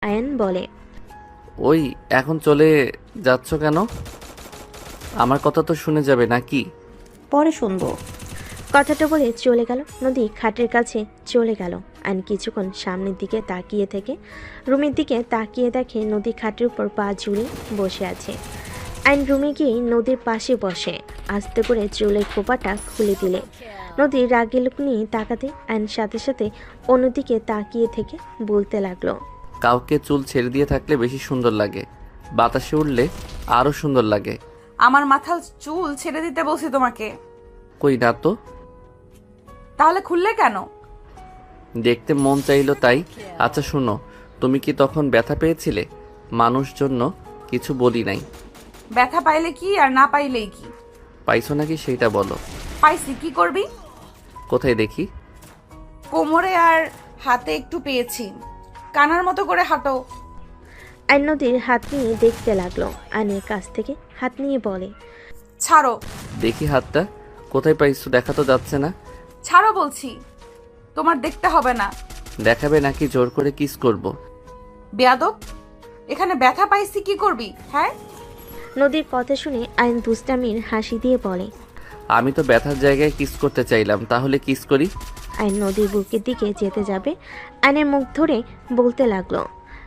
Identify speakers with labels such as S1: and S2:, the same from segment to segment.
S1: আয়ান বলে,
S2: ওই এখন চলে যাচ্ছ কেন? আমার কথা তো শুনে যাবে নাকি?
S3: পরে শুনবো।
S1: কথাটা বলে চলে গেল। নদী খাটের কাছে চলে গেল। আইন কিছুক্ষণ সামনের দিকে তাকিয়ে থেকে রুমের দিকে তাকিয়ে দেখে নদী খাটের উপর পা ঝুলে বসে আছে। আইন রুমে গিয়ে নদীর পাশে বসে আস্তে করে চুলের খোপাটা খুলে দিলে নদীর রাগের লোক নিয়ে তাকাতে আইন সাথে সাথে অন্যদিকে তাকিয়ে থেকে বলতে লাগলো,
S2: কাউকে চুল ছেড়ে দিয়ে থাকলে বেশি সুন্দর লাগে, বাতাসে উঠলে আরো সুন্দর লাগে।
S3: আমার মাথার চুল ছেড়ে দিতে বলছি তোমাকে।
S2: কই না তো,
S3: তাহলে খুললে কেন?
S2: দেখতে মন চাইলো তাই। আচ্ছা শুনো, তুমি কি তখন ব্যথা পেয়েছিলে? মানুষ জন্য কিছু বলি নাই।
S3: ব্যথা পাইলে কি আর না পাইলেই কি?
S2: পাইছো নাকি সেইটা বলো।
S3: পাইছি, কি করবি?
S2: কোথায় দেখি?
S3: কোমরে আর হাতে একটু পেয়েছি। কানার মতো করে হাঁটো।
S1: আইন নদীর হাত নিয়ে দেখতে লাগলো। আইনের কাছ থেকে হাত নিয়ে বলে,
S3: ছাড়ো।
S2: দেখি হাতটা কোথায় পাইছো, দেখা তো যাচ্ছে না।
S3: ছাড়ো বলছি। তোমার দেখতে হবে না।
S2: দেখাবে নাকি জোর করে কিস করব?
S3: বেয়াদব, এখানে ব্যথা পাইছি, কি করবি? হ্যাঁ,
S1: নদীর কথা শুনে আইন দুষ্টামির হাসি দিয়ে বলে,
S2: আমি তো ব্যথার জায়গায় কিস করতে চাইলাম, তাহলে কিস করি।
S1: আইন নদীর বুকের দিকে যেতে যাবে আইনের মুখ ধরে বলতে লাগলো,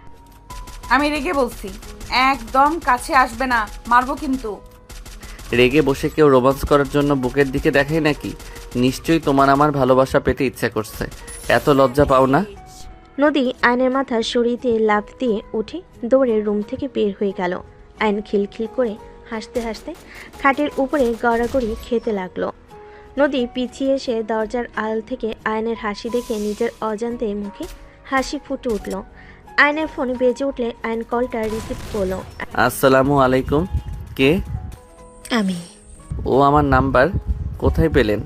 S3: আমি রেগে বলছি, একদম কাছে আসবে না, মারবো কিন্তু।
S2: রেগে বসে কেউ রোমান্স করার জন্য বুকের দিকে দেখায় নাকি? নিশ্চয়ই তোমার আমার ভালোবাসা পেতে ইচ্ছা করছে, এত লজ্জা পাও না?
S1: নদী আইনের মাথা সরিয়ে দিয়ে লাফ দিয়ে উঠে দৌড়ে রুম থেকে বের হয়ে গেল। আইন খিলখিল করে হাসতে হাসতে খাটের উপরে গড়াগড়ি খেতে লাগলো। নদী পিছিয়ে এসে দরজার আড়াল থেকে আয়নের হাসি দেখে নিজের অজান্তে মুখে হাসি ফুটে উঠল। আয়নের ফোন বেজে উঠলে আয়ন কলটা রিসিভ করলো।
S2: আসসালামু আলাইকুম। কে?
S4: আমি।
S2: ও আমার নাম্বার কোথায় পেলেন?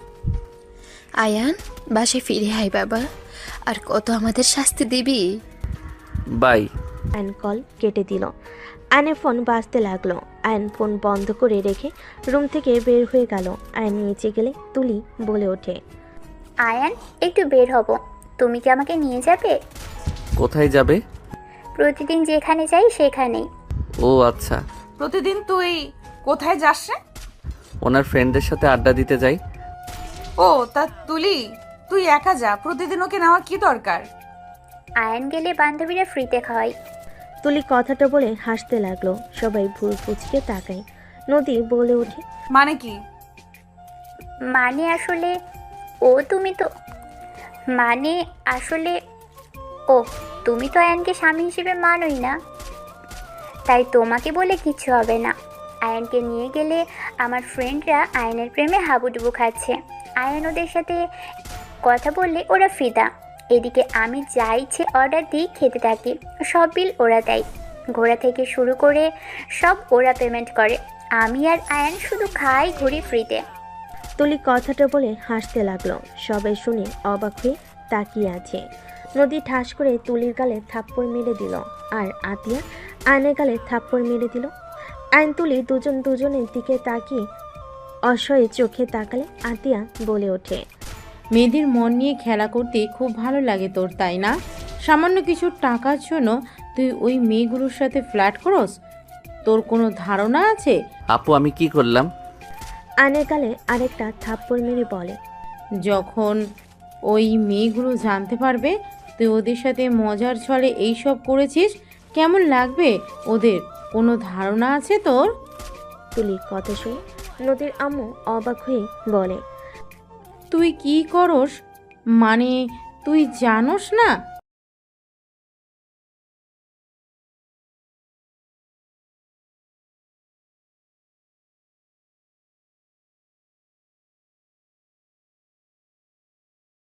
S4: আয়ান, বাসায় ফিরে আয় বাবা, আর কত আমাদের শাস্তি দিবি?
S2: বাই।
S1: আয়ন কল কেটে দিল। আয়নের ফোন বাজতে লাগলো। আয়ন ফোন বন্ধ করে রেখে রুম থেকে বের হয়ে গেল। আয়ন নিচে গেলে তুলি বলে ওঠে,
S5: আয়ান, একটু বের হব, তুমি কি আমাকে নিয়ে যাবে?
S2: কোথায় যাবে?
S5: প্রতিদিন যেখানে যাই সেখানেই।
S2: ও আচ্ছা।
S3: প্রতিদিন তুই কোথায় যাস রে?
S2: ওনার ফ্রেন্ডদের সাথে আড্ডা দিতে যাই।
S3: ও তা তুলি, তুই একা যা, প্রতিদিন ওকে নেওয়ার কি দরকার?
S5: আয়ান গেলে বান্ধবীরা ফ্রিতে খাওয়াই।
S1: তুলি কথাটা বলে হাসতে লাগলো। সবাই ভুল ফুচকে তাকায়। নদী বলে ওঠে,
S3: মানে কি?
S5: মানে আসলে তুমি তো মানে আসলে ও তুমি তো আয়ানকে স্বামী হিসেবে মানোই না, তাই তোমাকে বলে কিছু হবে না। আয়ানকে নিয়ে গেলে আমার ফ্রেন্ডরা আয়ানের প্রেমে হাবুডুবু খাচ্ছে। আয়ান ওদের সাথে কথা বললে ওরা ফিদা। এদিকে আমি যা ইচ্ছে অর্ডার দিই খেতে থাকি, সব বিল ওরা দেয়। ঘোরা থেকে শুরু করে সব ওরা পেমেন্ট করে। আমি আর আয়ান শুধু খাই, ঘুরি ফ্রিতে।
S1: তুলি কথাটা বলে হাসতে লাগলো। সবাই শুনে অবাক হয়ে তাকিয়ে আছে। নদী ঠাস করে তুলির গালে থাপ্পড় মেরে দিল, আর আতিয়া আয়নের গালে থাপ্পড় মেরে দিল। আইন তুলি দুজনের দিকে তাকিয়ে অসহায় চোখে তাকালে আতিয়া বলে ওঠে,
S6: মেয়েদের মন নিয়ে খেলা করতে খুব ভালো লাগে তোর, তাই না? সামান্য কিছু টাকার জন্য তুই ওই মেয়েগুলোর সাথে ফ্ল্যাট করস? তোর কোনো ধারণা আছে?
S2: আপু আমি কি করলাম?
S1: আয়নের গালে আরেকটা থাপ্পড় মেরে বলে,
S6: যখন ওই মেয়েগুলো জানতে পারবে তুই ওদের সাথে মজার ছলে এইসব করেছিস, কেমন লাগবে ওদের? কোনো ধারণা আছে তোর?
S1: তুলির কথা শুনে নদীর আম্মু অবাক হয়ে বলে,
S6: তুই কি করস? মানে তুই জানোস না